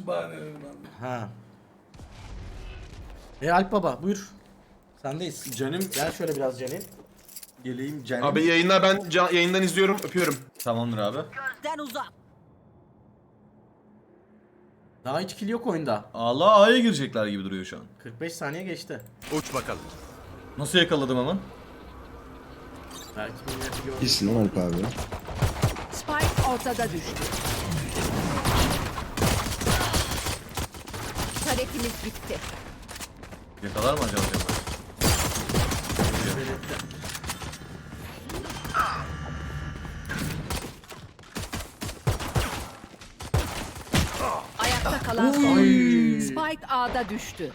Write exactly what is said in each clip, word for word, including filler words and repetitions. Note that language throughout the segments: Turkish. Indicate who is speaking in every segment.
Speaker 1: için bahanelerim ben.
Speaker 2: Ha. E Alp Baba buyur. Sendeyiz.
Speaker 3: Canım
Speaker 2: Gel şöyle biraz Celil.
Speaker 3: geleyim canım.
Speaker 4: Abi yayınlar ben ca- yayından izliyorum. Öpüyorum.
Speaker 3: Tamamdır abi.
Speaker 5: Gözden uzak.
Speaker 2: Daha hiç kill yok oyunda.
Speaker 3: Allah A'ya girecekler gibi duruyor şu an.
Speaker 2: kırk beş saniye geçti.
Speaker 4: Uç bakalım.
Speaker 3: Nasıl yakaladım hemen?
Speaker 2: Belki milleti gördü.
Speaker 6: İyisin lan Alp abi.
Speaker 5: Spike ortada düştü. Taretimiz bitti.
Speaker 3: Yakalar mı acaba?
Speaker 5: Ayakta kalan son. Spike A'da düştü.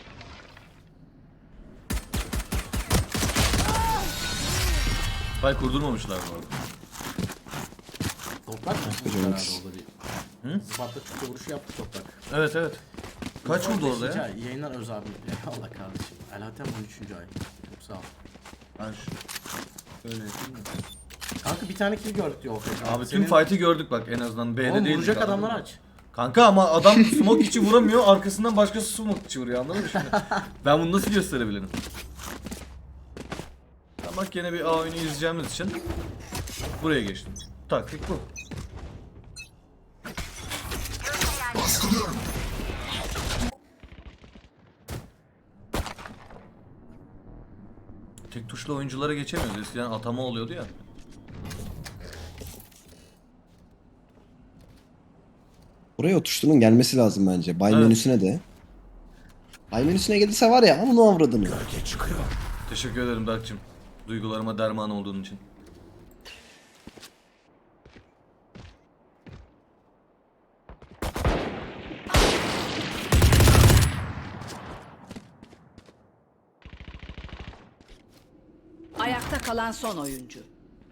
Speaker 3: Bay kurdurmamışlar bu arada.
Speaker 2: Toprak mı?
Speaker 6: Hocam
Speaker 2: Herhalde
Speaker 6: ikisi.
Speaker 2: orada bir.
Speaker 3: Hı?
Speaker 2: Zıbatla çıktı vuruşu yaptı toprak.
Speaker 3: Evet evet. Kaç vurdu orada ya?
Speaker 2: Beşinci ay, Yayınlar öz abi. Allah kardeşim. Elhatem on üçüncü ay. Çok sağ ol.
Speaker 3: Ben şu... Öyle yapayım mı?
Speaker 2: Kanka bir tane kill gördük diyor Ofek.
Speaker 3: Abi tüm fight'i gördük bak en azından B'de
Speaker 2: Oğlum
Speaker 3: değil.
Speaker 2: vuracak adamlar aç.
Speaker 3: Kanka ama adam smoke içi vuramıyor, arkasından başkası smoke içi vuruyor, anladın mı şimdi? Ben bunu nasıl gösterebilirim? Ya bak yine bir A oyunu izleyeceğimiz için buraya geçtim. Taktik bu. Tek tuşla oyunculara geçemiyoruz. Eskiden atama oluyordu ya.
Speaker 6: Buraya o tuşların gelmesi lazım bence. Bay
Speaker 3: Evet.
Speaker 6: menüsüne de. Bay menüsüne gelirse var ya ama avradını.
Speaker 3: Teşekkür ederim Dark'cığım. Duygularıma derman olduğun için.
Speaker 5: Ayakta kalan son oyuncu.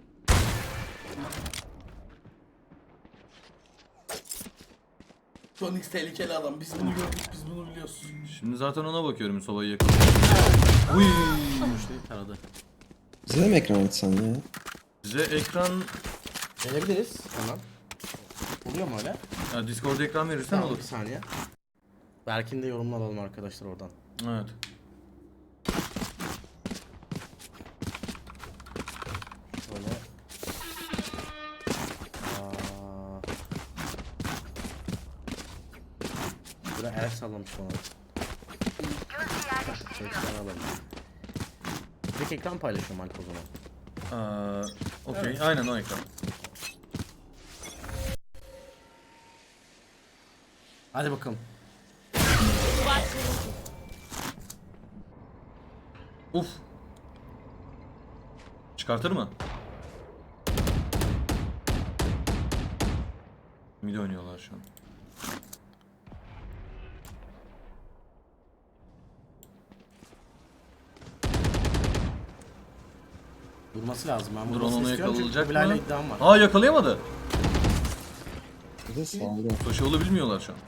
Speaker 1: Jonix tehlikeli adam. Biz bunu gördük, biz bunu biliyoruz.
Speaker 3: Şimdi zaten ona bakıyorum sobayı yakalayıp. Uy.
Speaker 2: Vuruşlayıp taradı.
Speaker 6: Bize de mi ekran açsan ya?
Speaker 3: Size ekran,
Speaker 2: Gelebiliriz hemen. Oluyor mu öyle?
Speaker 3: ya Discord'da ekran verirsen
Speaker 2: Tamam
Speaker 3: olur.
Speaker 2: bir saniye. Berk'in de yorumunu alalım arkadaşlar oradan.
Speaker 3: Evet.
Speaker 2: Şöyle. Aa. Burada el sallamış bana. Çekten alalım. Tek ekran paylaşıyorum Alp o zaman.
Speaker 3: Aa, okey. Aynen o ekran.
Speaker 2: Hadi bakalım.
Speaker 3: Uf. Çıkartır mı? Mid oynuyorlar şu an.
Speaker 2: Durması lazım. Ben
Speaker 3: Drone
Speaker 2: vurmasını
Speaker 3: onu
Speaker 2: istiyorum çünkü
Speaker 3: yakalayacak
Speaker 2: Kubilay'la
Speaker 3: mı?
Speaker 2: iddiam var.
Speaker 3: Aa yakalayamadı.
Speaker 6: Bir de sağda.
Speaker 3: Soşalı bilmiyorlar şu an.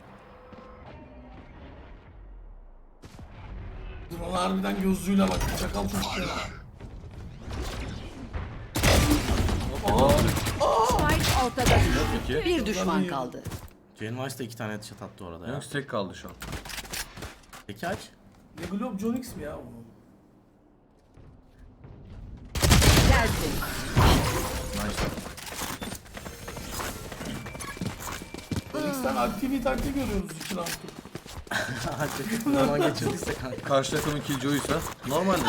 Speaker 1: Drone harbiden gözlüğüyle bak. Çakal çocuk ya.
Speaker 5: Spike ortada düştü.
Speaker 3: Peki.
Speaker 5: Bir düşman kaldı.
Speaker 2: Jane Weiss de iki tane headshot attı orada ya.
Speaker 3: Yunus tek kaldı şu an.
Speaker 2: Peki aç.
Speaker 1: Ne Globe Jonix mi ya bu?
Speaker 5: Gelsin.
Speaker 3: Nice.
Speaker 1: Jonix'ten aktivi taktik görüyoruz iki round'u.
Speaker 2: Hadi. Zaman geçirdiyse kanka.
Speaker 3: Karşı takımın killjoy'uysa normaldir.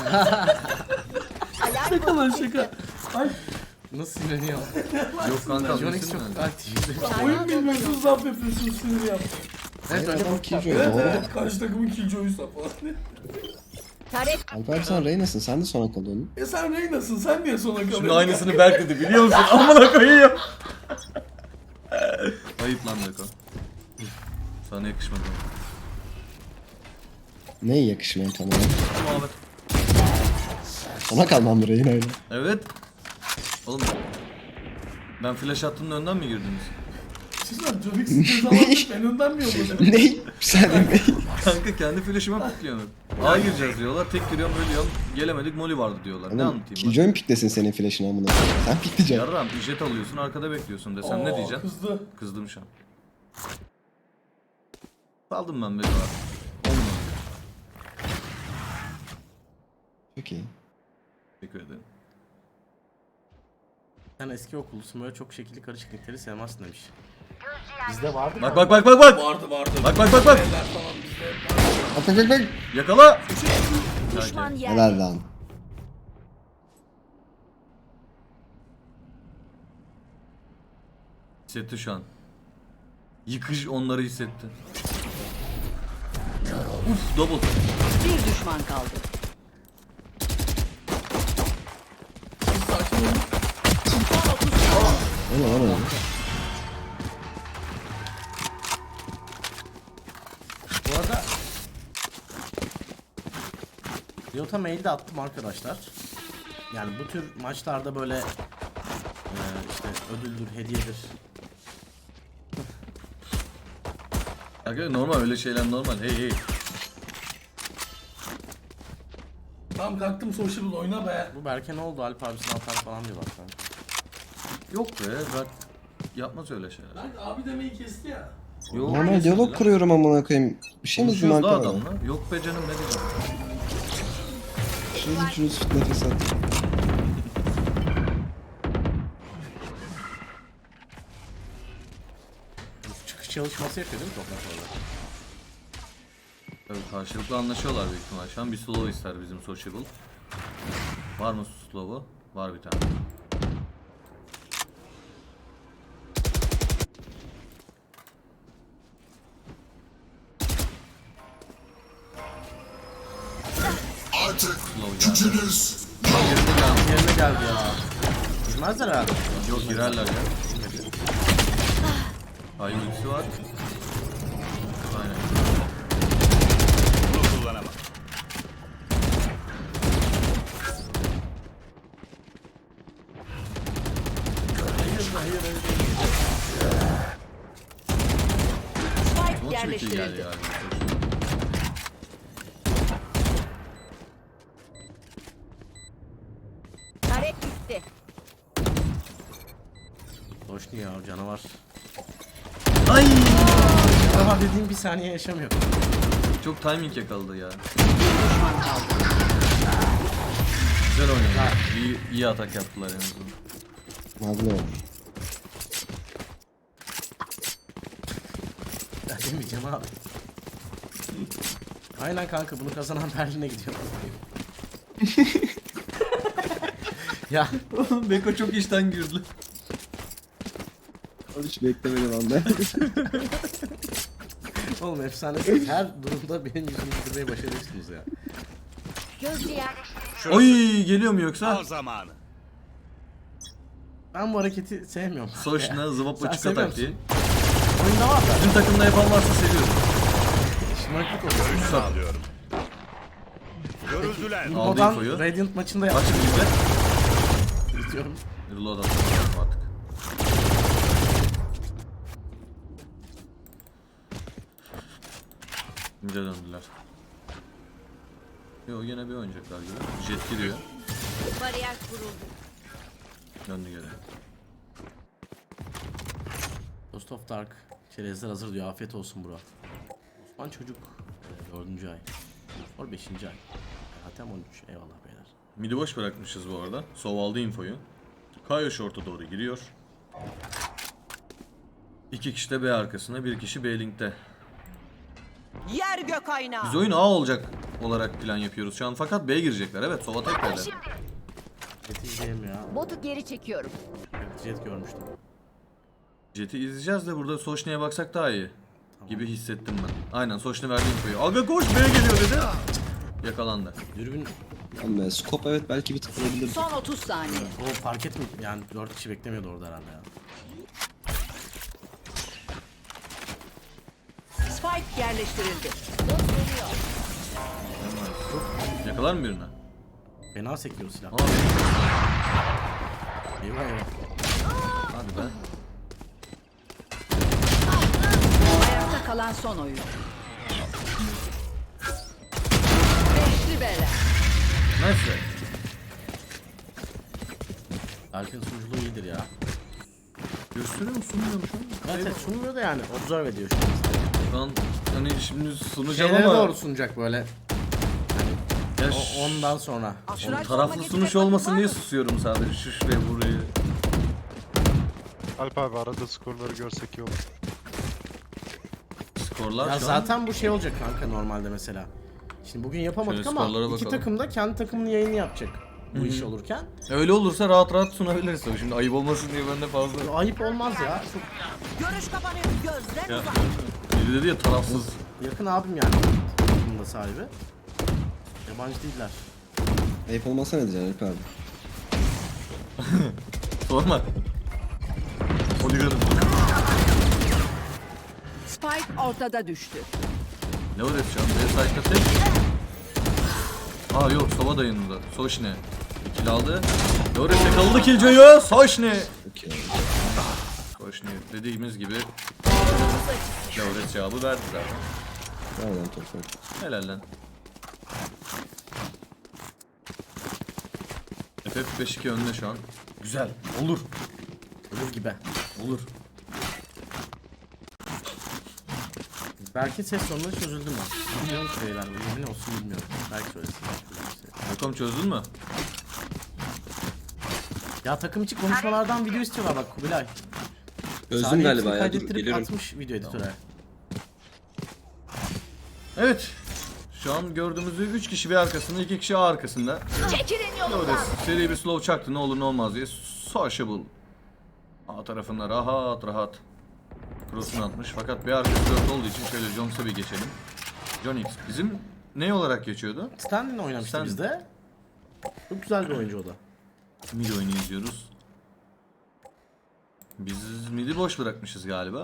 Speaker 1: Şaka şaka. Ay
Speaker 2: Nasıl sinirleniyor?
Speaker 3: Yok kanka.
Speaker 2: Jonix
Speaker 3: bilsin
Speaker 2: çok
Speaker 3: yani.
Speaker 2: aktif.
Speaker 1: oyun bilmiyorsunuz laf yapıyorsunuz sinir yaptı.
Speaker 2: Evet öyle
Speaker 6: Adam
Speaker 2: bir
Speaker 6: killjoy
Speaker 1: Evet
Speaker 6: doğru.
Speaker 1: evet karşı takımın killjoy'uysa falan.
Speaker 5: Taret
Speaker 6: Alp abi sen Reyna'sın. Sen de sona kalıyorsun.
Speaker 1: E sen Reyna'sın sen niye sona kalıyorsun?
Speaker 3: Şimdi aynısını Berk dedi biliyor musun? Amına koyayım. Ayıp lan Beko. Sana yakışmadı.
Speaker 6: Neye yakışmıyor tam olarak?
Speaker 3: Muhabbet.
Speaker 6: Sona kalmam Reyna'yla.
Speaker 3: Evet. Oğlum ben flash attığımda önden mi girdiniz?
Speaker 1: Siz lan Jonix'in cezalarını ben önden mi yolladım?
Speaker 6: Ne? Sen ne?
Speaker 3: Kanka kendi flash'ıma pikliyorum. A gireceğiz diyorlar. Tek giriyorum ölüyorum. Gelemedik moli vardı diyorlar. Ne
Speaker 6: Oğlum
Speaker 3: anlatayım ben?
Speaker 6: Killjoy mu piklesin senin flash'ını amına? Sen pikleyeceksin.
Speaker 3: Yarram ücret alıyorsun arkada bekliyorsun desem ne
Speaker 1: Oo,
Speaker 3: diyeceksin?
Speaker 1: Kızdı.
Speaker 3: Kızdım şu an. Saldım ben Bedo abi. Olmadı.
Speaker 6: Çok iyi.
Speaker 3: Teşekkür ederim.
Speaker 2: Sen eski okullusun, böyle çok şekilli karışıklıkları sevmezsin demiş. Bizde vardı
Speaker 3: Bak bak bak bak bak.
Speaker 1: Vardı vardı.
Speaker 3: Bak bak bak bak.
Speaker 1: Beyler falan bizde.
Speaker 6: Bak bak bak bak.
Speaker 3: Yakala.
Speaker 5: Düşman yer.
Speaker 6: Helal lan.
Speaker 3: Hissetti şu an. Yıkış onları hissetti. Uf double.
Speaker 5: Bir düşman kaldı.
Speaker 1: Sakin olun.
Speaker 6: O ne o ne?
Speaker 2: Bu arada Riot'a mail de attım arkadaşlar. Yani bu tür maçlarda böyle e, işte ödüldür, hediyedir.
Speaker 3: Arkadaşlar normal öyle şeyler normal. Hey hey.
Speaker 1: Tamam kalktım sociable oyna be.
Speaker 2: Bu Berke ne oldu? Alp abisine atar falan diyor bak.
Speaker 3: Yok be bak. Yapmaz öyle şeyler.
Speaker 1: Lan abi demeyi kesti ya.
Speaker 3: Yok.
Speaker 6: Normal diyalog kuruyorum amına koyayım. Bir şey mi diyeyim
Speaker 3: Konuşuyoruz da
Speaker 6: arkadaşlar?
Speaker 3: adamla. Yok be canım ne diyeceğim.
Speaker 6: Şurası şurası nefes at.
Speaker 2: Çıkış çalışması yapıyor değil mi toprak orada?
Speaker 3: Tabii karşılıklı anlaşıyorlar büyük ihtimal. Şu an bir slow ister bizim sociable. Var mı slow'u? Var bir tane.
Speaker 7: Artık
Speaker 3: Slow geldi.
Speaker 7: gücünüz
Speaker 2: Yerine geldi ya. Girmezler herhalde.
Speaker 3: Yok girerler ya. Ay ultisi var. Aynen.
Speaker 4: Bunu kullanamam.
Speaker 5: Spike
Speaker 3: Ama çok iyi geldi
Speaker 5: yerleştirildi.
Speaker 3: yani.
Speaker 5: Tarek gitti.
Speaker 2: Hoş ya o canavar.
Speaker 3: Ay!
Speaker 2: Canavar dediğim bir saniye yaşamıyor.
Speaker 3: Çok timing yakaladı ya.
Speaker 5: Düşman kaldı.
Speaker 3: Güzel oynadı. İyi, iyi atak yaptılar en azından.
Speaker 6: Nazlı olur.
Speaker 2: Ben demeyeceğim abi. Aynen kanka, bunu kazanan Berlin'e gidiyor. Ya
Speaker 3: Beko çok işten girdi.
Speaker 6: Hiç beklemedim anda.
Speaker 2: oğlum efsanesiniz. Her durumda benim yüzümü güldürmeyi başarıyorsunuz ya.
Speaker 5: Gözcü yerleştirildi.
Speaker 3: Oy geliyor mu yoksa?
Speaker 4: Al zamanı.
Speaker 2: Ben bu hareketi sevmiyorum.
Speaker 3: Soşna zıvapla
Speaker 2: Sen
Speaker 3: çık
Speaker 2: seviyor
Speaker 3: atak diye.
Speaker 2: musun? Oyunda var da.
Speaker 3: Bizim takımda yapan varsa seviyorum.
Speaker 2: Şımarıklık oluyor.
Speaker 4: Görüş sağlıyorum. Görüldüler.
Speaker 3: Aldı
Speaker 2: Info'dan
Speaker 3: infoyu.
Speaker 2: Radiant maçında
Speaker 3: Bak
Speaker 2: yaptım.
Speaker 3: şimdi izle.
Speaker 2: İzliyorum.
Speaker 3: Reload atalım artık. Mid'e döndüler. Yo yine bir oynayacaklar gibi. Jet giriyor.
Speaker 5: Bariyer kuruldu.
Speaker 3: Döndü geri.
Speaker 2: Ghost of Dark. Çerezler hazır diyor. Afiyet olsun bro. Osman çocuk. E, dördüncü ay. Or beşinci ay. Hatem on üç. Eyvallah beyler.
Speaker 3: Mid'i boş bırakmışız bu arada. Sov aldı infoyu. Kayo short'a doğru giriyor. İki kişi de B arkasında, bir kişi B linkte.
Speaker 5: Yer gök aynağı.
Speaker 3: Biz oyun A olacak olarak plan yapıyoruz şu an fakat B'ye girecekler. Evet, Sova tek B'de.
Speaker 2: Jet izleyeyim ya.
Speaker 5: Botu geri çekiyorum.
Speaker 2: Evet, Jet görmüştüm.
Speaker 3: Jet'i izleyeceğiz de burada Soşne'ye baksak daha iyi. Gibi hissettim ben. Aynen, Soşne verdi infoyu. Aga koş, B'ye geliyor dedi. Yakalandı.
Speaker 2: Dürbün
Speaker 6: Lan be, scope evet belki bir tık vurabilir.
Speaker 5: Son otuz saniye.
Speaker 2: o fark etmi yani dört kişi beklemiyordu orada herhalde ya.
Speaker 5: Spike yerleştirildi. Bot geliyor.
Speaker 3: Yakalar mı birine?
Speaker 2: Fena sekiyor silah.
Speaker 3: Abi.
Speaker 2: Eyvah eyvah.
Speaker 3: Hadi be.
Speaker 5: Ayakta kalan son oyun. Beşli bela.
Speaker 3: Neyse.
Speaker 2: Alp'in sunuculuğu iyidir ya.
Speaker 3: Gösteriyor mu, sunmuyor mu şu an?
Speaker 2: Evet, evet sunmuyor da yani observe ediyor şu an.
Speaker 3: Şu an hani şimdi sunacağım
Speaker 2: Şeylere
Speaker 3: ama
Speaker 2: doğru sunacak böyle.
Speaker 3: ya
Speaker 2: O,
Speaker 3: ş-
Speaker 2: ondan sonra.
Speaker 5: Şuraya
Speaker 3: taraflı
Speaker 5: sorma
Speaker 3: sunuş
Speaker 5: getirecek
Speaker 3: olmasın
Speaker 5: var
Speaker 3: diye
Speaker 5: mı?
Speaker 3: susuyorum sadece şu şuraya burayı.
Speaker 8: Alp abi arada skorları görsek iyi olur.
Speaker 3: Skorlar
Speaker 2: Ya
Speaker 3: şu
Speaker 2: zaten bu şey olacak kanka normalde mesela. Şimdi bugün yapamadık
Speaker 3: Şöyle
Speaker 2: ama
Speaker 3: skorlara
Speaker 2: iki
Speaker 3: bakalım.
Speaker 2: takım da kendi takımının yayını yapacak bu iş olurken.
Speaker 3: an. Öyle olursa rahat rahat sunabiliriz tabii. Şimdi ayıp olmasın diye ben de fazla.
Speaker 2: Ayıp olmaz ya. Çok
Speaker 5: Görüş kapanıyor. Gözden
Speaker 3: Ya,
Speaker 5: uzak.
Speaker 3: biri dedi ya tarafsız.
Speaker 2: yakın abim yani. Takımın da sahibi. Yabancı değiller.
Speaker 6: Ayıp olmasa ne diyeceksin Alp abi?
Speaker 3: Sorma. Holiganım.
Speaker 5: Spike ortada düştü.
Speaker 3: Ne var şu an? B-Site'da tek. Aa yok, Sova da yanında. Soşne. İkili aldı. Loris yakaladı Killjoy'u. Soşne.
Speaker 6: Okey.
Speaker 3: Soşne dediğimiz gibi Loris cevabı verdi zaten.
Speaker 6: Nereden toprak?
Speaker 3: Helal lan. F F beş iki önde şu an. Güzel. Olur.
Speaker 2: Olur gibi.
Speaker 3: Olur.
Speaker 2: Belki ses sorunları çözüldü mü? Bilmiyorum ki beyler. Yemin olsun bilmiyorum. Belki söylesin.
Speaker 3: Bakalım çözdün mü?
Speaker 2: Ya takım içi konuşmalardan video istiyorlar bak Kubilay.
Speaker 6: Özüm
Speaker 2: Salih
Speaker 6: galiba
Speaker 2: hepsini
Speaker 6: ya. Dur
Speaker 2: kaydettirip
Speaker 6: geliyorum.
Speaker 2: atmış video editöre.
Speaker 3: Evet. Şu an gördüğümüzü üç kişi bir arkasında, iki kişi A arkasında.
Speaker 5: Çekilin yolundan.
Speaker 3: Loris seri bir slow çaktı, ne olur ne olmaz diye. Sociable. A tarafında rahat rahat cross'unu atmış. Fakat bir arkası dört olduğu için şöyle Jones'a bir geçelim. John X bizim ne olarak geçiyordu?
Speaker 2: Stanley'le oynamıştı
Speaker 3: Stanley.
Speaker 2: bizde. Çok güzel bir oyuncu o da.
Speaker 3: Mid oyunu izliyoruz. Biz mid'i boş bırakmışız galiba.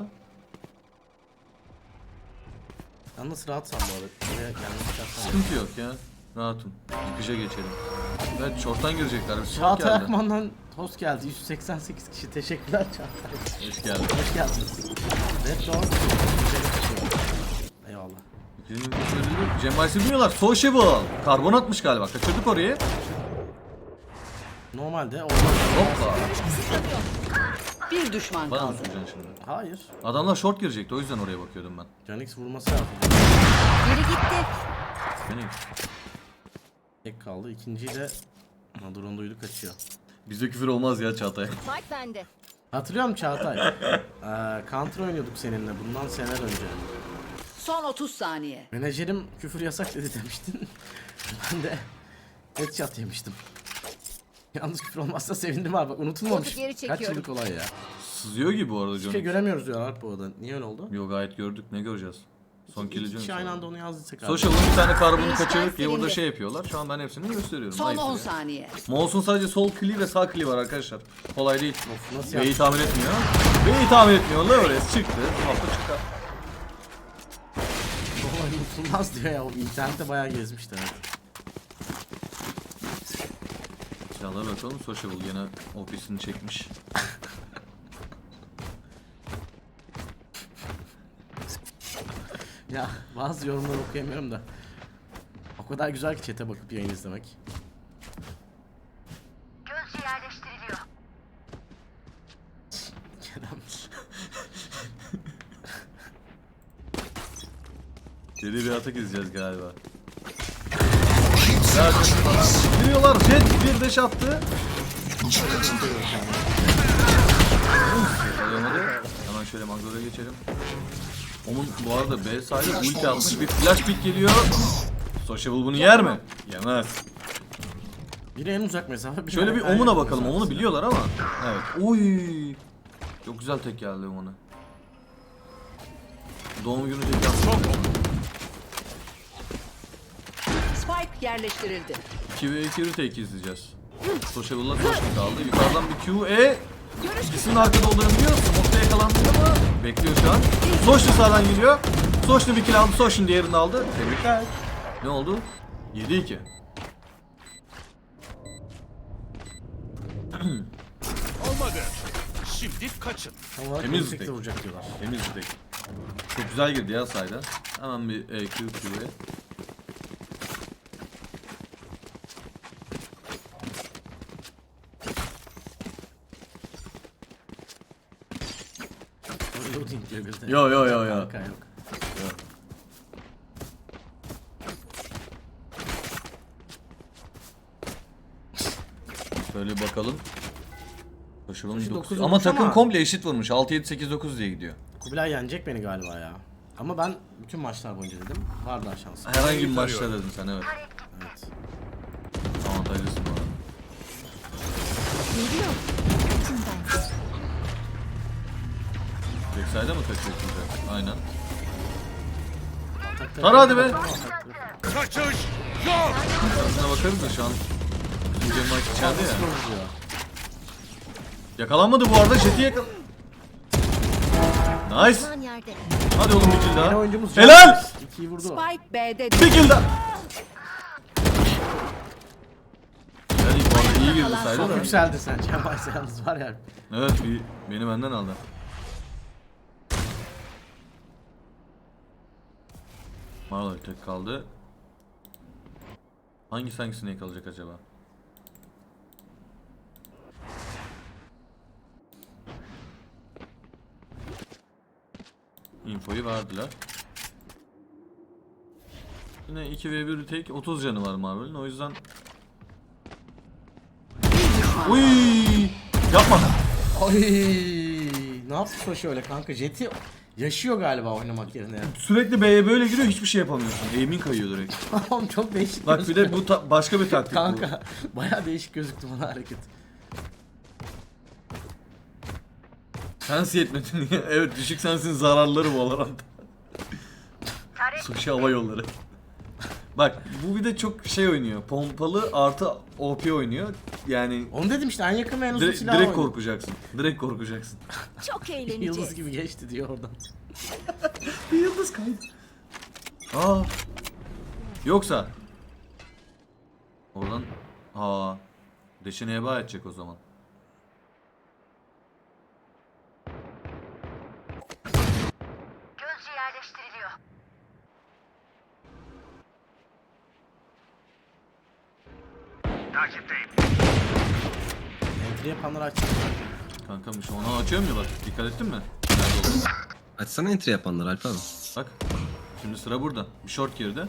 Speaker 2: Yalnız rahatsan bu arada. Buraya kendini çıkarsan.
Speaker 3: Sıkıntı yok ya. Rahatım. Yıkışa geçelim. Evet, short'tan girecekler. Bir short
Speaker 2: Çağatay
Speaker 3: geldi.
Speaker 2: Akman'dan host geldi. yüz seksen sekiz kişi. Teşekkürler Çağatay.
Speaker 3: Hoş geldi.
Speaker 2: Hoş geldiniz. Red Dawn. Eyvallah.
Speaker 3: Cem Baysi bilmiyorlar. Sociable. Karbon atmış galiba. Kaçırdık orayı.
Speaker 2: Normalde orada...
Speaker 3: Hoppa.
Speaker 5: Bir düşman
Speaker 3: Bana mı
Speaker 5: kaldı.
Speaker 3: süreceksin şimdi?
Speaker 2: Hayır.
Speaker 3: Adamlar short girecekti. O yüzden oraya bakıyordum ben.
Speaker 2: Canix vurması lazım.
Speaker 5: Biri gitti.
Speaker 3: Beni.
Speaker 2: Tek kaldı. İkinciyi de... Ama drone duydu kaçıyor.
Speaker 3: Bizde küfür olmaz ya Çağatay.
Speaker 5: Spike bende.
Speaker 2: Hatırlıyor musun Çağatay? ee, Counter oynuyorduk seninle bundan seneler önce.
Speaker 5: Son otuz saniye.
Speaker 2: Menajerim küfür yasak dedi demiştin. Ben de headshot yemiştim. Yalnız küfür olmazsa sevindim abi. Bak unutulmamış.
Speaker 5: Botu geri
Speaker 2: Kaç
Speaker 5: çekiyorum.
Speaker 2: yıllık olay ya.
Speaker 3: Sızıyor gibi bu arada
Speaker 2: Hiçbir şey
Speaker 3: Johnny.
Speaker 2: göremiyoruz diyorlar Alp bu arada. Niye öyle oldu?
Speaker 3: Yo, gayet gördük. Ne göreceğiz? Son kill'i
Speaker 2: İki
Speaker 3: Johnny.
Speaker 2: kişi aynı anda onu yazdıysak abi.
Speaker 3: Social'ın bir tane karbonu
Speaker 5: Değişken
Speaker 3: kaçırdık diye burada
Speaker 5: silindi.
Speaker 3: şey yapıyorlar. Şu an ben hepsini gösteriyorum.
Speaker 5: Son
Speaker 3: Ayıp
Speaker 5: on
Speaker 3: ya.
Speaker 5: saniye.
Speaker 3: Mouse'un sadece sol kliği ve sağ kliği var arkadaşlar. Kolay değil.
Speaker 2: Of, nasıl
Speaker 3: B'yi
Speaker 2: yaptın?
Speaker 3: tahmin etmiyor. B'yi tahmin etmiyor. Loris çıktı. Hafta çıktı.
Speaker 2: Olay unutulmaz diyor ya. O internette bayağı gezmişti. Evet.
Speaker 3: Silahlara bakalım. Sociable gene O P'sini çekmiş.
Speaker 2: Ya bazı yorumları okuyamıyorum da. O kadar güzel ki chat'e bakıp yayın izlemek.
Speaker 9: Gözcü yerleştiriliyor.
Speaker 2: Kerem.
Speaker 3: Seri bir atak izleyeceğiz galiba. Ya giriyorlar. Jet bir deş attı. Alamadı. Hemen şöyle Magdala'ya geçelim. Onun bu arada B sahibi ulti atmış. Bir flash pick geliyor. Sociable bunu yer mi? Yemez.
Speaker 2: Biri en uzak mesafe. biri
Speaker 3: Şöyle bir
Speaker 2: en yakın
Speaker 3: Omun'a bakalım.
Speaker 2: mesafe.
Speaker 3: Omun'u biliyorlar ama. Evet. Oy. Çok güzel tek geldi Omun'a. Doğum günü tek yaptı.
Speaker 5: Spike yerleştirildi.
Speaker 3: iki ve iki retake izleyeceğiz. Sociable'la Soşni kaldı. Yukarıdan bir Q, E. İkisinin arkada olduğunu biliyoruz. Nokta yakalandı ama bekliyor şu an. Soşni sağdan geliyor. Soşni bir kill aldı. Soşni diğerini aldı. Tebrikler. Ne oldu? yedi iki.
Speaker 4: Olmadı. Şimdi kaçın.
Speaker 2: Tam olarak
Speaker 3: Temiz
Speaker 2: yüksekte
Speaker 3: tek.
Speaker 2: vuracak diyorlar.
Speaker 3: Temiz bir tek. Çok güzel girdi ya sayda. Hemen bir E, Q, Q'ye.
Speaker 2: Loading diyor bir de.
Speaker 3: Yo yo yo yo.
Speaker 2: Kanka yok.
Speaker 3: Şöyle bakalım. Koşulun
Speaker 2: Koşu
Speaker 3: dokuz.
Speaker 2: dokuz
Speaker 3: Ama
Speaker 2: olmuş
Speaker 3: takım
Speaker 2: ama-
Speaker 3: komple eşit vurmuş. altı yedi sekiz dokuz diye gidiyor.
Speaker 2: Kubilay yenecek beni galiba ya. Ama ben bütün maçlar boyunca dedim. Var daha şansım.
Speaker 3: Herhangi bir maçta dedin sen, evet.
Speaker 2: Evet.
Speaker 3: Avantajlısın bu arada.
Speaker 5: Geliyor. İçinden.
Speaker 3: Backside'a mı kaçıyorsun sen? Aynen.
Speaker 2: Atakta-
Speaker 3: Tara hadi be.
Speaker 2: Atakta-
Speaker 4: Kaçış yok.
Speaker 3: Aslına bakarız da şu an bizim Cem maç içeride ya.
Speaker 2: Nasıl vuruyor?
Speaker 3: Yakalanmadı bu arada. Jet'i yakal... Nice.
Speaker 5: Lan yerde.
Speaker 3: Hadi oğlum bir kill
Speaker 2: Yeni
Speaker 3: daha.
Speaker 2: oyuncumuz
Speaker 3: Helal.
Speaker 2: Can. İkiyi vurdu.
Speaker 5: Spike B'de
Speaker 3: Bir kill daha. Yani bu arada iyi girdi saydı
Speaker 2: Çok
Speaker 3: da.
Speaker 2: yükseldi sen. Can Baysa yalnız var ya.
Speaker 3: Evet, bir, beni benden aldı. Marley tek kaldı. Hangisi hangisine yakalayacak acaba? Infoyu verdiler. Yine iki ve bir tek otuz canı var Marvel'in, o yüzden. Uy! Yapma.
Speaker 2: Ay, ne yaptı Soşi öyle kanka? Jet'i yaşıyor galiba oynamak yerine.
Speaker 3: Sürekli B'ye böyle giriyor, hiçbir şey yapamıyorsun. Aim'in kayıyor direkt.
Speaker 2: Tamam, çok değişik.
Speaker 3: Bak bir de bu ta- başka bir taktik bu.
Speaker 2: kanka bayağı değişik gözüktü bana hareket.
Speaker 3: Sensi yetmedin diye. Evet, düşük sensin zararları bu Valorant. Sushi hava yolları. Bak bu bir de çok şey oynuyor. Pompalı artı O P oynuyor. Yani
Speaker 2: Onu dedim işte, en yakın ve en uzun
Speaker 3: direkt,
Speaker 2: silah
Speaker 3: direkt
Speaker 2: oynuyor.
Speaker 3: korkacaksın. Direkt korkacaksın.
Speaker 5: çok
Speaker 2: Yıldız
Speaker 5: eğleneceğiz.
Speaker 2: gibi geçti diyor oradan.
Speaker 3: Bir yıldız kaydı. Aa. Yoksa oradan ha deşine heba edecek o zaman.
Speaker 9: Gözcü yerleştiriliyor.
Speaker 4: Takipteyim.
Speaker 2: Entry yapanları açacak.
Speaker 3: Kankamış, onu açıyorum ya bak. Dikkat ettin mi? Nerede oldu?
Speaker 6: Açsana entry yapanlar Alp abi.
Speaker 3: Bak. Şimdi sıra burada. Bir short girdi.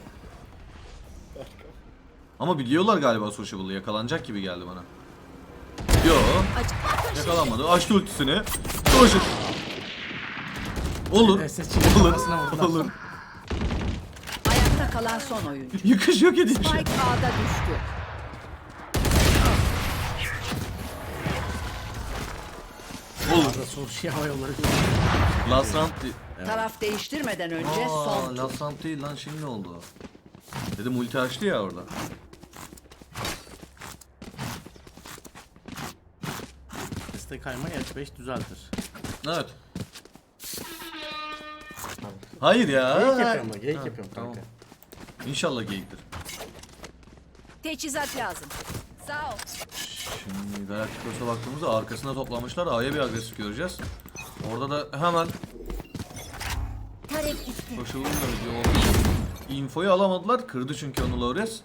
Speaker 3: Ama biliyorlar galiba Sociable'ı. Yakalanacak gibi geldi bana. Yo. Yakalanmadı. Açtı ultisini. Social. Olur.
Speaker 2: S S çıkıyor,
Speaker 3: Olur.
Speaker 2: kafasına vurdular.
Speaker 3: Olur.
Speaker 5: Ayakta kalan son oyuncu.
Speaker 3: Yıkış yok edeyim şey.
Speaker 5: Spike A'da düştü.
Speaker 3: Olur.
Speaker 2: Arada Soşi hava yolları.
Speaker 3: Last round değil.
Speaker 5: Taraf değiştirmeden önce son.
Speaker 3: Aa, last round değil lan, şimdi oldu. Dedim ulti açtı ya orada.
Speaker 2: Destek kaymayı H beş düzeltir.
Speaker 3: Evet. Hayır ya.
Speaker 2: Geyik yapıyorum da, geyik
Speaker 3: Ha,
Speaker 2: yapıyorum
Speaker 3: tamam.
Speaker 2: kanka.
Speaker 3: İnşallah geyiktir.
Speaker 5: Teçhizat lazım. Sağ ol.
Speaker 3: Şimdi Galacticos'a baktığımızda arkasına toplamışlar. A'ya bir agresif göreceğiz. Orada da hemen
Speaker 5: Tarek gitti.
Speaker 3: koşulun da video oldu. Infoyu alamadılar. Kırdı çünkü onu Lores.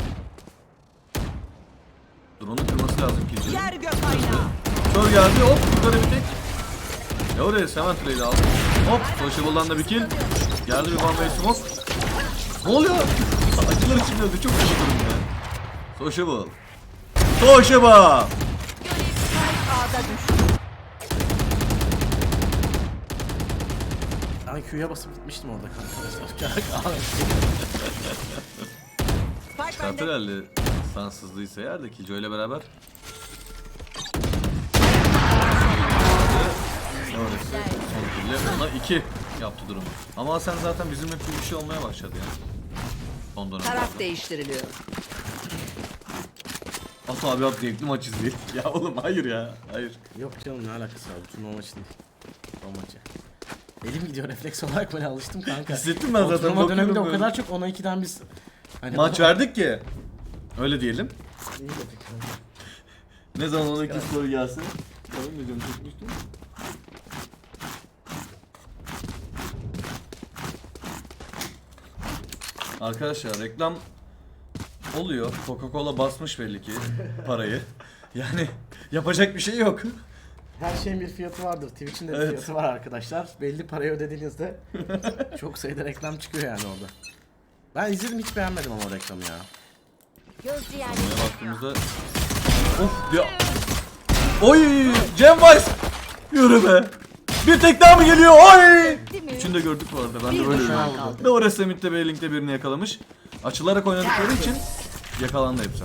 Speaker 3: Drone'u kırması lazım ki.
Speaker 5: Yer gök aynağı.
Speaker 3: Kör geldi, hop yukarı bir tek. Lores hemen trade'i aldı. Hop Sociable'dan da bir kill. Geldi bir one way smoke. Ne oluyor? Acılar içinde öldü, çok kötü durumda. Sociable. Sociable.
Speaker 5: Spike A'da düştü.
Speaker 2: Ben Q'ya basıp gitmiştim orada kanka.
Speaker 5: Spike bende.
Speaker 3: Katerelli sansızlıysa eğer de Killjoy ile beraber. Sonrası son kille ona iki yaptı durumu. Ama sen zaten bizimle bir şey olmaya başladı yani. Son dönemde.
Speaker 5: Taraf değiştiriliyor.
Speaker 3: Aslı abi abi zevkli maç izleyelim. Ya oğlum hayır ya. Hayır.
Speaker 2: Yok canım, ne alakası var? Bu turnuva maçı değil. O maçı. Elim gidiyor, refleks olarak böyle alıştım kanka.
Speaker 3: Hissettim ben
Speaker 2: O
Speaker 3: zaten,
Speaker 2: turnuva döneminde o
Speaker 3: bakıyorum
Speaker 2: kadar çok ona ikiden biz... Hani
Speaker 3: Maç
Speaker 2: bu-
Speaker 3: verdik ki. Öyle diyelim.
Speaker 2: İyi dedik kanka.
Speaker 3: Ne zaman ona iki soru gelsin. Tamam mı canım, çekmiştim. Arkadaşlar reklam oluyor. Coca-Cola basmış belli ki parayı. Yani yapacak bir şey yok.
Speaker 2: Her şeyin bir fiyatı vardır. Twitch'in de bir
Speaker 3: Evet.
Speaker 2: fiyatı var arkadaşlar. Belli parayı ödediğinizde çok sayıda reklam çıkıyor yani orada. Ben izledim, hiç beğenmedim ama o reklamı ya.
Speaker 5: Gözcü
Speaker 3: Buraya
Speaker 5: yerleştiriliyor.
Speaker 3: baktığımızda Of ya. Oy! Cem Weiss! Yürü be! Bir tek daha mı geliyor? Oy! Üçünü de gördük bu arada. Ben de
Speaker 5: Bir
Speaker 3: böyle
Speaker 5: düşman
Speaker 3: gördüm.
Speaker 5: kaldı.
Speaker 3: Doğru Semit'te ve Link'te birini yakalamış. Açılarak oynadıkları için yakalandı hepsi.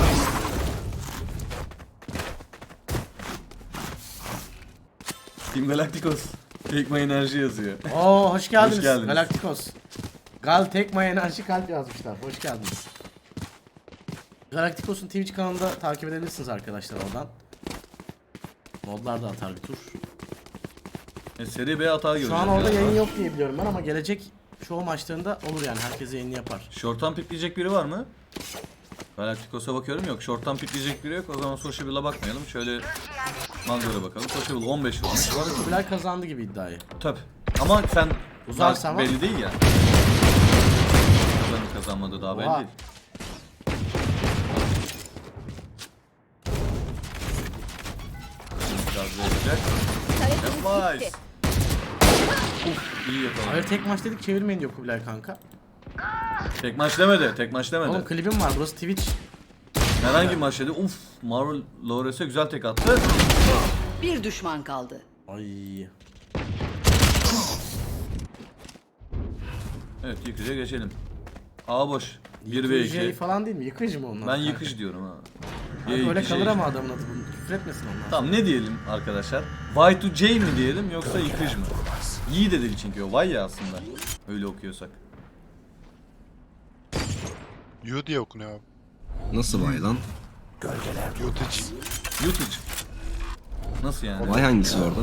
Speaker 3: Team Galacticos. Take my enerji yazıyor.
Speaker 2: Oo hoş geldiniz.
Speaker 3: Hoş geldiniz.
Speaker 2: Galacticos. Gal Tekma Enerji kalp yazmışlar. Hoş geldiniz. Galacticos'un Twitch kanalında takip edebilirsiniz arkadaşlar oradan. Modlar da atar bir tur.
Speaker 3: E, seri B hata göreceğiz.
Speaker 2: Şu an orada
Speaker 3: ya.
Speaker 2: yayın yok diye biliyorum ben ama gelecek çoğu maçlarında olur yani herkes yayını yapar.
Speaker 3: Short'tan pikleyecek biri var mı? Galacticos'a bakıyorum yok. Short'tan pikleyecek biri yok. O zaman Sociable'a bakmayalım. Şöyle Mango'ya bakalım. Sociable on beş olmuş.
Speaker 2: Bu arada Kubilay kazandı gibi iddiayı.
Speaker 3: Tabi. Ama sen
Speaker 2: Uzarsa ama-
Speaker 3: belli değil ya. Kazanıp kazanmadı daha belli
Speaker 2: Oha.
Speaker 3: değil. Biraz verecek. Yapmaz. Uf, iyi yakaladı.
Speaker 2: Hayır tek maç dedik çevirmeyin diyor Kubilay kanka.
Speaker 3: Tek maç demedi. Tek maç demedi.
Speaker 2: Oğlum klibim var burası Twitch.
Speaker 3: Herhangi maç dedi. Uf, Marvel Lawrence'e güzel tek attı.
Speaker 5: Bir düşman kaldı.
Speaker 2: Ay.
Speaker 3: Evet, yıkıcıya geçelim. A boş. bir ve
Speaker 2: Yıkıcı
Speaker 3: iki.
Speaker 2: falan değil mi? Yıkıcı mı onlar?
Speaker 3: Ben yıkıcı diyorum ha.
Speaker 2: Öyle
Speaker 3: Y iki
Speaker 2: kalır
Speaker 3: şey.
Speaker 2: ama adamın adı bunu. Küfür etmesin onlar.
Speaker 3: Tamam ne diyelim arkadaşlar? Y to J mi diyelim yoksa yıkıcı mı? Y de değil çünkü o Y ya aslında. Öyle okuyorsak.
Speaker 8: Yu diye okunuyor abi.
Speaker 6: Nasıl vay lan?
Speaker 8: Yutucu.
Speaker 3: Yutucu. Nasıl yani?
Speaker 6: Vay hangisi orada?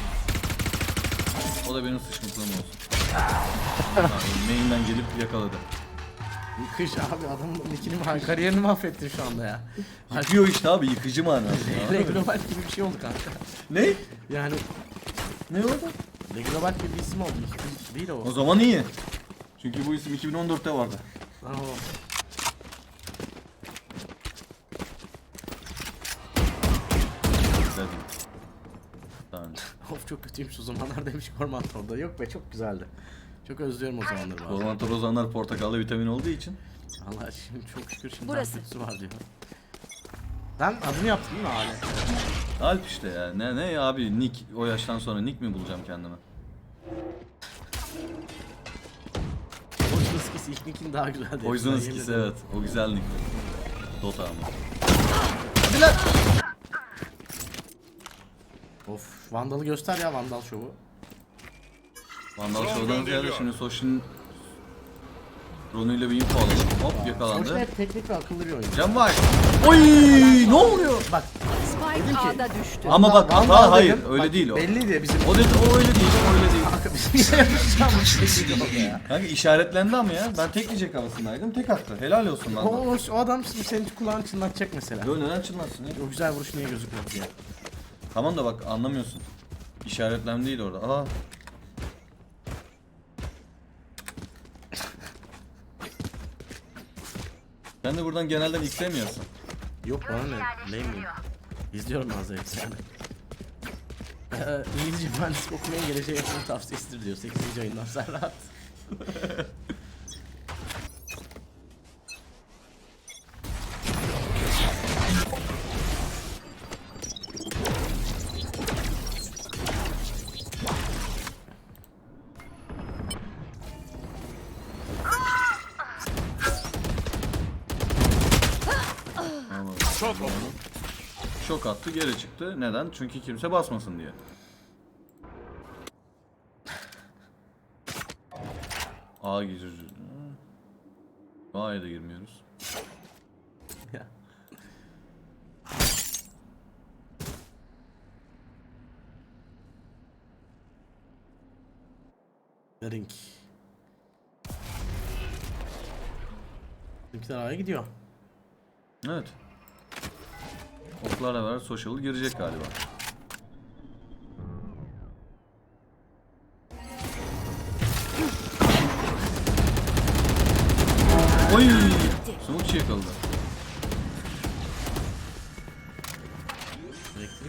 Speaker 3: O da benim sıçmışlığım olsun. Yani main'den gelip yakaladı.
Speaker 2: Yıkıcı abi adamın nickini kariyerini mahvettin şu anda ya.
Speaker 3: Yıkıyor işte abi, yıkıcı manası ya.
Speaker 2: Global gibi bir şey oldu kanka.
Speaker 3: Ne?
Speaker 2: Yani
Speaker 3: Ne oldu?
Speaker 2: Global gibi bir isim oldu. Yıkıcı değil o.
Speaker 3: O zaman iyi. Çünkü bu isim iki bin on dörtte vardı.
Speaker 2: Lan o.
Speaker 3: Güzel değil. Tamam.
Speaker 2: Of çok kötüymüş o zamanlar demiş Korman orada. Yok be çok güzeldi. Çok özlüyorum o zamanları bazen.
Speaker 3: Orman torozanlar portakallı vitamin olduğu için.
Speaker 2: Allah şimdi çok şükür şimdi
Speaker 5: Burası.
Speaker 2: Burası. var diyor. Sen adını yaptın değil mi Ali?
Speaker 3: Alp işte ya. Ne ne abi, nick o yaştan sonra nick mi bulacağım kendime?
Speaker 2: Poison Skis ilk nickin daha güzeldi.
Speaker 3: Poison
Speaker 2: Ben
Speaker 3: Skis
Speaker 2: yemin
Speaker 3: evet. O güzel nick. Dota ama.
Speaker 2: Of Vandal'ı göster ya Vandal şovu.
Speaker 3: Vandal Show'dan ziyade şimdi Soshin Ron'uyla bir info alalım. Hop
Speaker 2: Sonuçta
Speaker 3: yakalandı.
Speaker 2: hep teknik ve akıllı bir oyun.
Speaker 3: Cem var. Oy ne oluyor?
Speaker 2: Bak
Speaker 5: Spike
Speaker 2: Dedim ki-
Speaker 5: A'da düştü.
Speaker 3: Ama bak
Speaker 2: Vandal
Speaker 3: hata hayır
Speaker 2: dedim,
Speaker 3: öyle
Speaker 2: bak,
Speaker 3: değil o.
Speaker 2: Belliydi bizim.
Speaker 3: O dedi o öyle değil o öyle değil.
Speaker 2: Kanka bizim yapacağımız şey değil o ya.
Speaker 3: Kanka işaretlendi ama ya. Ben tek diyecek havasındaydım. Tek attı. Helal olsun
Speaker 2: O,
Speaker 3: lan.
Speaker 2: o, o adam şimdi senin kulağını çınlatacak mesela.
Speaker 3: Yo neden çınlatsın ya?
Speaker 2: O güzel vuruş niye gözükmüyor diye.
Speaker 3: Tamam da bak anlamıyorsun. İşaretlendiydi orada. Aa. Sen de buradan genelden istemiyorsun.
Speaker 2: Yok bana ne? Lame miyim? İzliyorum ben zevkle yani. Ee, İngilizce mühendislik okumaya geleceğe yatırım tavsiyesidir diyor sekizinci ayından Serhat.
Speaker 4: Çok oldu.
Speaker 3: Şok attı geri çıktı. Neden? Çünkü kimse basmasın diye. A giriyoruz. A'ya da girmiyoruz.
Speaker 2: Ya. Ring. Bizimkiler A'ya gidiyor.
Speaker 3: Evet. Oklarla beraber social girecek galiba. Oy! Smoke yakaladı.
Speaker 2: Elektrik.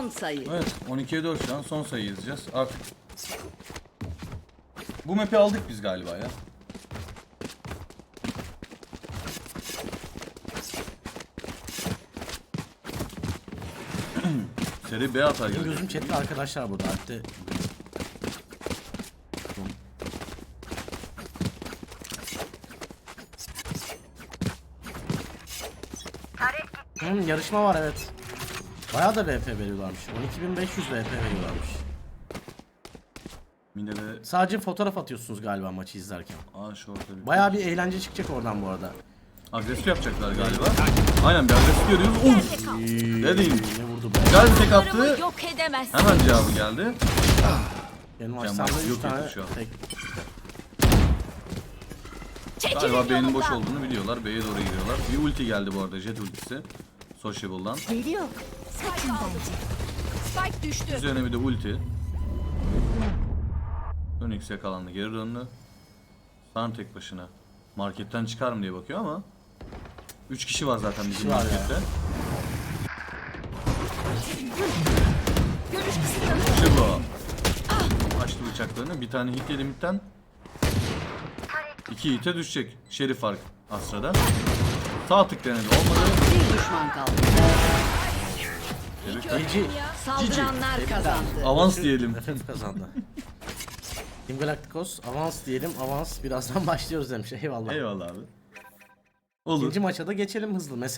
Speaker 5: sayı.
Speaker 3: Evet, on ikiye dört şu an son sayı yazacağız. Artık bu map'i aldık biz galiba ya. Seri B atar
Speaker 2: Benim
Speaker 3: gibi.
Speaker 2: gözüm chatte arkadaşlar burada. Hatta Hmm, yarışma var evet. Bayağı da V P veriyorlarmış. on iki bin beş yüz V P veriyorlarmış.
Speaker 3: Mine de...
Speaker 2: Sadece fotoğraf atıyorsunuz galiba maçı izlerken.
Speaker 3: Aa şorta bir...
Speaker 2: Bayağı bir eğlence çıkacak oradan bu arada.
Speaker 3: Agresif yapacaklar galiba. Aynen bir agresif görüyoruz. Uf! Ne diyeyim?
Speaker 2: Ne vurdu be?
Speaker 3: Güzel bir tek attı.
Speaker 5: Yok edemezsin.
Speaker 3: Hemen cevabı geldi.
Speaker 2: Benim
Speaker 3: Kemal
Speaker 2: açsamda
Speaker 3: yok
Speaker 2: üç tane
Speaker 3: etti şu an.
Speaker 2: tek.
Speaker 3: Galiba B'nin boş olduğunu biliyorlar. B'ye doğru gidiyorlar. Bir ulti geldi bu arada. Jet ultisi. Sociable'dan.
Speaker 5: Geliyor. Saçın bence. Spike düştü.
Speaker 3: Üzerine bir de ulti. Onyx yakalandı. Geri döndü. San tek başına. Marketten çıkar mı diye bakıyor ama üç kişi var zaten bizim
Speaker 2: kişi var ya.
Speaker 3: markette.
Speaker 5: Görüş kısıtlanıyor.
Speaker 3: İşte bu. Açtı bıçaklarını. Bir tane hit yedi midden. İki hite düşecek. Şerif fark Astra'da. Sağ tık denedi. Olmadı.
Speaker 5: Bir düşman kaldı.
Speaker 2: Cici.
Speaker 5: Saldıranlar kazandı.
Speaker 3: Avans diyelim.
Speaker 2: Efendim kazandı. Team Galacticos avans diyelim. Avans birazdan başlıyoruz demiş. Eyvallah.
Speaker 3: Eyvallah abi. Olur.
Speaker 2: İkinci maça da geçelim hızlı. Mesela